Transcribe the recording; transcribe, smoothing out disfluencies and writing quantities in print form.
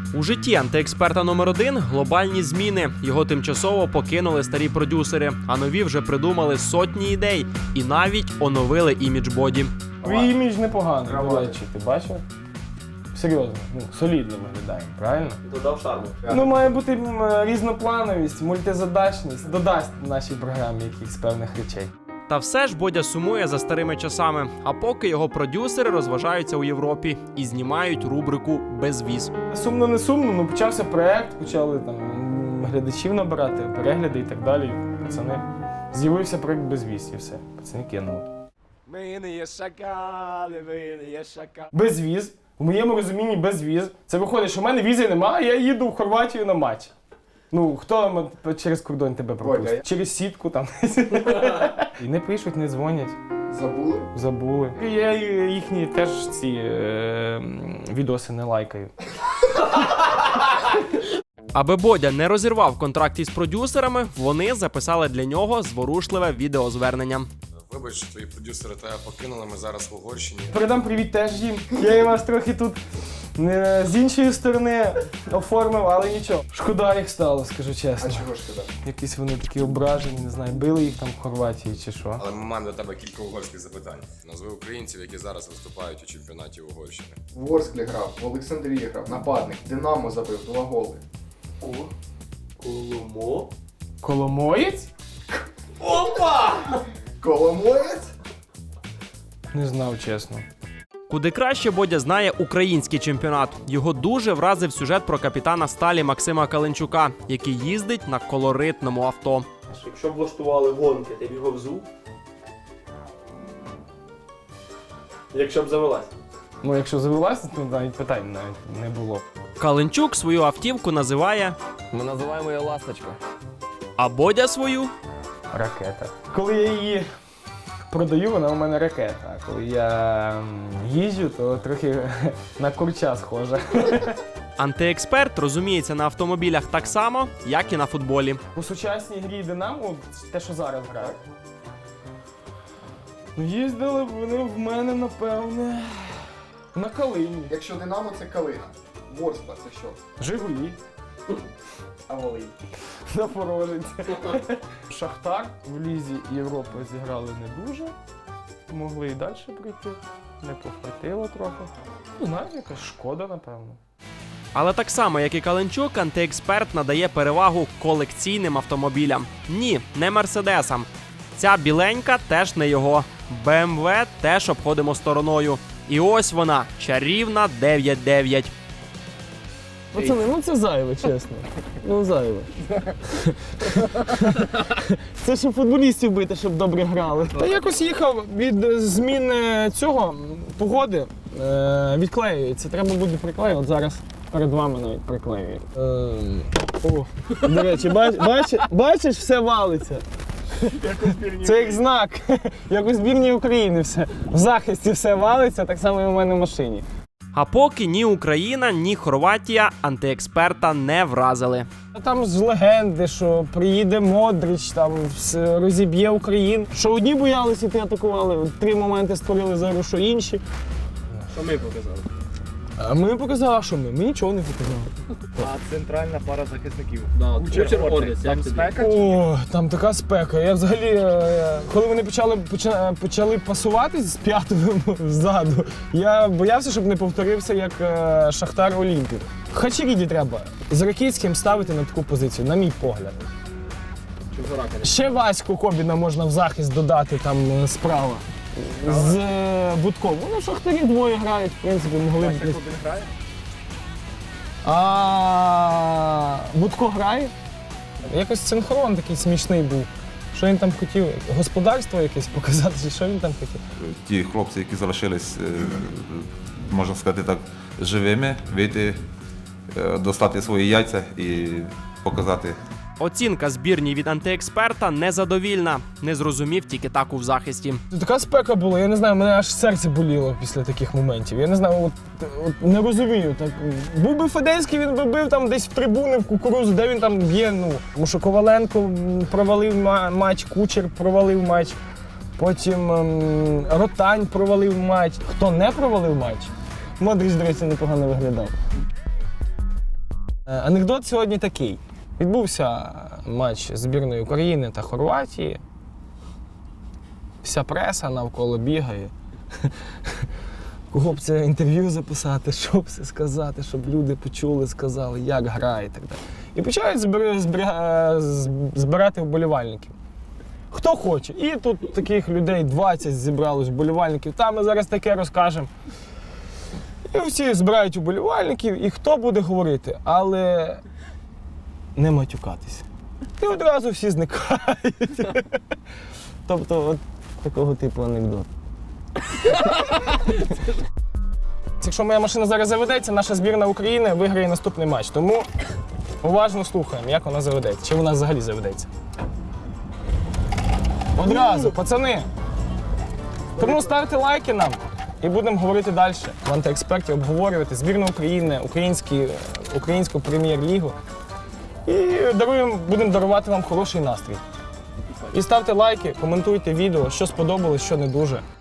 У житті антиексперта номер 1 – глобальні зміни. Його тимчасово покинули старі продюсери, а нові вже придумали сотні ідей і навіть оновили імідж Боді. Твій імідж непоганий, до речі, ти бачив? Серйозно, солідно виглядаємо, правильно? Додав шарму. Ну, має бути різноплановість, мультизадачність, додасть нашій програмі якихось певних речей. Та все ж Бодя сумує за старими часами, а поки його продюсери розважаються у Європі і знімають рубрику «Безвіз». Сумно не сумно, ну почався проєкт, почали там глядачів набирати, перегляди і так далі. Пацани, з'явився проєкт «Безвіз» і все. Пацани кинули. Ми не є шакали, ми не є шакали. Безвіз, в моєму розумінні безвіз. Це виходить, що в мене візи немає, я їду в Хорватію на матч. Ну, хто через кордон тебе пропустить? Через сітку там. І не пишуть, не дзвонять. Забули? Забули. Я їхні теж ці відоси не лайкаю. Аби Бодя не розірвав контракт із продюсерами, вони записали для нього зворушливе відеозвернення. Вибач, твої продюсери тебе покинули, ми зараз в Угорщині. Передам привіт теж їм. Я вас трохи тут з іншої сторони оформив, але нічого. Шкода їх стало, скажу чесно. А чого ж тебе? Якісь вони такі ображені, не знаю, били їх там в Хорватії чи що. Але ми маємо до тебе кілька угорських запитань. Назви українців, які зараз виступають у чемпіонаті Угорщини. В Ворсклі грав, в Олександрії грав, нападник, Динамо забив 2 голи. Коломо? Коломоєць? Опа! Коломоєць? Не знав, чесно. Куди краще Бодя знає український чемпіонат. Його дуже вразив сюжет про капітана Сталі Максима Каленчука, який їздить на колоритному авто. Якщо б влаштували гонки, ти б його взув? Якщо б завелась. Ну, якщо завелася, то навіть питань навіть не було. Каленчук свою автівку називає, Ми називаємо її ласточка. а Бодя свою Ракета. Коли я її продаю, вона у мене ракета. А коли я їжджу, то трохи на курча схожа. антиексперт розуміється на автомобілях так само, як і на футболі. У сучасній грі Динамо, те, що зараз грають. Ну, їздили б вони в мене, напевне, на Калині. Якщо Динамо – це Калина. Ворскла – це що? Жигулі. А Волинь? Запорожець. Шахтар в Лізі Європи зіграли не дуже. Могли і далі прийти. Не пофартило трохи. Ну, знаєш, якась шкода, напевно. Але так само, як і Каленчук, антиексперт надає перевагу колекційним автомобілям. Ні, не мерседесам. Ця біленька теж не його. BMW теж обходимо стороною. І ось вона, чарівна 9-9. Пацани, ну це зайве, чесно. Ну зайве. Це щоб футболістів бити, щоб добре грали. Та якось їхав від зміни цього погоди, відклеюється. Треба буде приклеювати. От зараз перед вами навіть приклеюють. О, до речі, бачиш, все валиться. Це як знак. Як у збірній України все. В захисті все валиться, так само і у мене в машині. А поки ні Україна, ні Хорватія антиексперта не вразили. Там ж легенди, що приїде Модрич, там розіб'є Україну. Що одні боялися, йти атакували, 3 моменти створили зараз, що інші. Що ми показали? А ми показали, а що ми? Ми нічого не показали. А центральна пара захисників. Кучер Ордес, там спека? О, там така спека. Я взагалі, коли вони почали пасувати з п'ятого ззаду, я боявся, щоб не повторився, як Шахтар Олімпік. Хачеріді треба з Ракицьким ставити на таку позицію, на мій погляд. Ще Ваську Кобіна можна в захист додати там справа. З Будком. Вони в Шахтарі двоє грають, в принципі, могли б. Кобін грає? А Будко грає? Якось синхрон такий смішний був. Що він там хотів? Господарство якесь показати, чи що він там хотів? Ті хлопці, які залишились, можна сказати так, живими, вийти, достати свої яйця і показати. Оцінка збірній від антиексперта незадовільна. Не зрозумів тільки таку в захисті. Така спека була, я не знаю, мене аж серце боліло після таких моментів. Я не знаю, от не розумію. Так. Був би Феденський, він би бив там десь в трибуни, в кукурузу, де він там б'є, ну. Тому що Коваленко провалив матч, Кучер провалив матч, потім Ротань провалив матч. Хто не провалив матч? Модрич, до речі, непогано виглядав. Анекдот сьогодні такий. Відбувся матч збірної України та Хорватії. Вся преса навколо бігає. Кого б це інтерв'ю записати, що б це сказати, щоб люди почули, сказали, як грає і так далі. І починають збирати вболівальників. Хто хоче. І тут таких людей 20 зібралось вболівальників. Та ми зараз таке розкажемо. І всі збирають вболівальників, і хто буде говорити, але не матюкатися. І одразу всі зникають. Тобто, от такого типу анекдот. Якщо моя машина зараз заведеться, наша збірна України виграє наступний матч. Тому уважно слухаємо, як вона заведеться. Чи вона взагалі заведеться. Одразу, пацани. Тому ставте лайки нам і будемо говорити далі. В антиексперті обговорювати збірну України, українську прем'єр-лігу. І будемо дарувати вам хороший настрій. І ставте лайки, коментуйте відео, що сподобалось, що не дуже.